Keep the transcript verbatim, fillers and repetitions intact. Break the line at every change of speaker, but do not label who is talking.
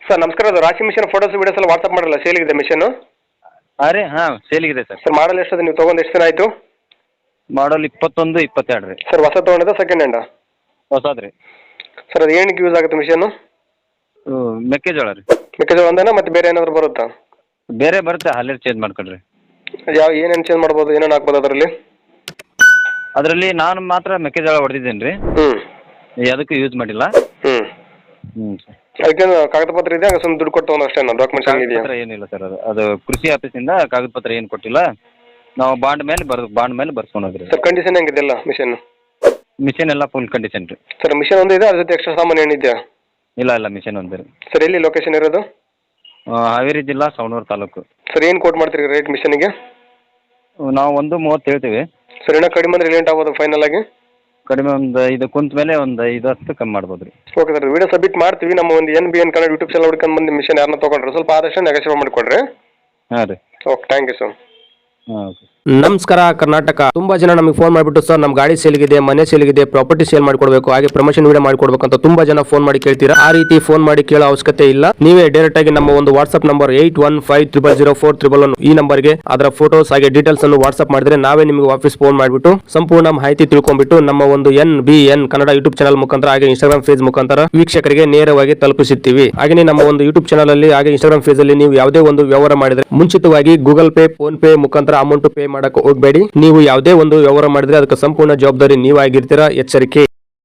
Sir ನಮಸ್ಕಾರ, ಅದು ರಾಶಿ ಮಿಷನ್ ಫೋಟೋಸ್ ವೀಡಿಯೋಸ್ ಎಲ್ಲ ವಾಟ್ಸಪ್ ಮಾಡಲ್ಲ, ಸೇಲಿಗಿದೆ ಮಿಷನ್.
ಹಾಂ ರೀ, ಹಾಂ ಸೇಲಿಗಿದೆ ಸರ್.
ಸರ್ ಮಾಡಲ್ ಎಷ್ಟದು, ನೀವು ತೊಗೊಂಡು ಎಷ್ಟು ದಿನ ಆಯಿತು?
ಮಾಡಲ್ ಇಪ್ಪತ್ತೊಂದು ಇಪ್ಪತ್ತೆರಡು ರೀ.
ಸರ್ ಹೊಸ ತೊಗೊಂಡಿದ್ದ ಸೆಕೆಂಡ್ ಹ್ಯಾಂಡ?
ಹೊಸದು ರೀ.
ಸರ್ ಅದು ಏನಕ್ಕೆ ಯೂಸ್ ಆಗುತ್ತೆ ಮಿಷನ್ನು?
ಮೆಕ್ಕೆಜೋಳ ರೀ.
ಮೆಕ್ಕೆಜೋಳ ಒಂದೇನಾ ಮತ್ತೆ ಬೇರೆ ಏನಾದರೂ ಬರುತ್ತಾ?
ಬೇರೆ ಬರುತ್ತೆ, ಹಾಲಿರ್ ಚೇಂಜ್ ಮಾಡ್ಕೊಳ್ರಿ.
ಯಾವ ಏನೇನು ಚೇಂಜ್ ಮಾಡ್ಬೋದು, ಏನೇನು ಹಾಕ್ಬೋದು ಅದರಲ್ಲಿ?
ಅದರಲ್ಲಿ ನಾನು ಮಾತ್ರ ಮೆಕ್ಕೆಜೋಳ ಹೊಡೆದಿದ್ದೇನೆ ರೀ.
ಹ್ಞೂ.
ಅದಕ್ಕೆ ಯೂಸ್ ಮಾಡಿಲ್ಲ.
ಹ್ಞೂ
ಹ್ಞೂ ಸರ್.
ಅದಕ್ಕೇನು ಕಾಗದ ಪತ್ರ ಇದೆ, ಹಂಗೆ ಸುಮ್ಮನೆ ದುಡ್ಡು ಕೊಟ್ಟು ತೊಗೊಂಡು ಅಷ್ಟೇ, ಡಾಕ್ಯುಮೆಂಟ್ಸ್
ಕಾಗದ
ಇದೆಯಾ?
ಪತ್ರ ಏನಿಲ್ಲ ಸರ್. ಅದು ಅದು ಕೃಷಿ ಆಫೀಸಿಂದ ಕಾಗದ ಪತ್ರ ಏನು ಕೊಟ್ಟಿಲ್ಲ. ನಾವು ಬಾಂಡ್ ಮೇಲೆ ಬರ್ ಬಾಂಡ್ ಮೇಲೆ ಬರ್ಸ್ಕೊಂಡು ಹೋದ್ರಿ.
ಸರ್ ಕಂಡೀಷನ್ ಹೆಂಗಿದೆಲ್ಲ ಮಿಷನ್?
ಮಿಷನ್ ಎಲ್ಲ ಫುಲ್ ಕಂಡೀಷನ್ ರೀ.
ಸರ್ ಮಿಷನ್ ಒಂದು ಇದೆ, ಅದ್ರ ಜೊತೆ ಎಕ್ಸ್ಟ್ರಾ ಸಾಮಾನು ಏನಿದೆಯಾ?
ಇಲ್ಲ ಇಲ್ಲ, ಮಿಷನ್ ಒಂದು ರೀ.
ಸರ್ ಎಲ್ಲಿ ಲೊಕೇಶನ್ ಇರೋದು?
ಹಾವೇರಿ ಜಿಲ್ಲಾ ಸವಣೂರು ತಾಲೂಕು.
ಸರ್ ಏನು ಕೋಟ್ ಮಾಡ್ತೀರಿ ರೇಟ್ ಮಿಷನ್ಗೆ?
ನಾವು ಒಂದು ಮೂವತ್ತು ಹೇಳ್ತೀವಿ.
ಸರ್ ಇನ್ನೂ ಕಡಿಮೆ ಅಂದರೆ ಲೇಟ್ ಆಗ್ಬೋದು ಫೈನಲ್ ಆಗಿ?
ಕಡಿಮೆ ಒಂದು ಇದು ಕುಂತ ಮೇಲೆ ಒಂದು ಐದು ಹತ್ತು ಕಮ್ಮಿ ಮಾಡ್ಬೋದು ರೀ.
ಓಕೆ ಸರ್, ವಿಡಿಯೋ ಸಬ್ಮಿಟ್ ಮಾಡ್ತೀವಿ. ನಮ್ಮ ಒಂದು N B N Kannada YouTube channel ಹುಡ್ಕೊಂಡು ಬಂದು ಮಿಷನ್ ಯಾರನ್ನ ತೊಗೊಂಡ್ರೆ ಸ್ವಲ್ಪ ಆದಷ್ಟು ನೆಗೋಷಿಯೇಟ್ ಮಾಡಿಕೊಡ್ರಿ.
ಹಾಂ ರೀ.
Okay, thank you sir.
ಹಾಂ ಓಕೆ.
ನಮಸ್ಕಾರ ಕರ್ನಾಟಕ. ತುಂಬಾ ಜನ ನಮಗೆ ಫೋನ್ ಮಾಡಿಬಿಟ್ಟು ಸರ್ ನಮ್ಮ ಗಾಡಿ ಸೇಲ್ಗಿದೆ, ಮನೆ ಸೇಲ್ಗಿದೆ, ಪ್ರಾಪರ್ಟಿ ಸೇಲ್ ಮಾಡ್ಕೊಡ್ಬೇಕು, ಹಾಗೆ ಪ್ರಮೋಷನ್ ವಿಡಿಯೋ ಮಾಡ್ಕೊಡ್ಬೇಕು ಅಂತ ತುಂಬಾ ಜನ ಫೋನ್ ಮಾಡಿ ಕೇಳ್ತೀರಾ. ಆ ರೀತಿ ಫೋನ್ ಮಾಡಿ ಕೇಳೋ ಅವಶ್ಯಕತೆ ಇಲ್ಲ. ನೀವೇ ಡೈರೆಕ್ಟ್ ಆಗಿ ನಮ್ಮ ಒಂದು WhatsApp number eight one five triple zero four triple one ಈ ನಂಬರ್ಗೆ ಅದರ ಫೋಟೋಸ್ ಹಾಗೆ ಡೀಟೇಲ್ಸ್ ಅನ್ನು ವಾಟ್ಸ್ಆಪ್ ಮಾಡಿದ್ರೆ ನಾವೇ ನಿಮಗೆ ವಾಪಸ್ ಫೋನ್ ಮಾಡಿಬಿಟ್ಟು ಸಂಪೂರ್ಣ ಮಾಹಿತಿ ತಿಳ್ಕೊಂಡ್ಬಿಟ್ಟು ನಮ್ಮ ಒಂದು N B N Kannada YouTube channel ಮುಖಾಂತರ ಹಾಗೆ ಇನ್ಸ್ಟಾಗ್ರಾಮ್ ಪೇಜ್ ಮುಖಾಂತರ ವೀಕ್ಷಕರಿಗೆ ನೇರವಾಗಿ ತಲುಪಿಸುತ್ತೀವಿ. ಹಾಗೆ ನಮ್ಮ ಒಂದು ಯೂಟ್ಯೂಬ್ ಚಾನಲ್ ಅಲ್ಲಿ ಹಾಗೆ ಇನ್ಸ್ಟಾಗ್ರಾಮ್ ಪೇಜ್ ಅಲ್ಲಿ ನೀವು ಯಾವುದೇ ಒಂದು ವ್ಯವಹಾರ ಮಾಡಿದ್ರೆ ಮುಂಚಿತವಾಗಿ ಗೂಗಲ್ ಪೇ, ಫೋನ್ ಪೇ ಮುಖಾಂತರ ಅಮೌಂಟ್ ಪೇ ಮಾಡಕ್ಕೆ ಹೋಗಬೇಡಿ. ನೀವು ಯಾವುದೇ ಒಂದು ವ್ಯವಹಾರ ಮಾಡಿದ್ರೆ ಅದಕ್ಕೆ ಸಂಪೂರ್ಣ ಜವಾಬ್ದಾರಿ ನೀವಾಗಿರ್ತೀರಾ. ಎಚ್ಚರಿಕೆ.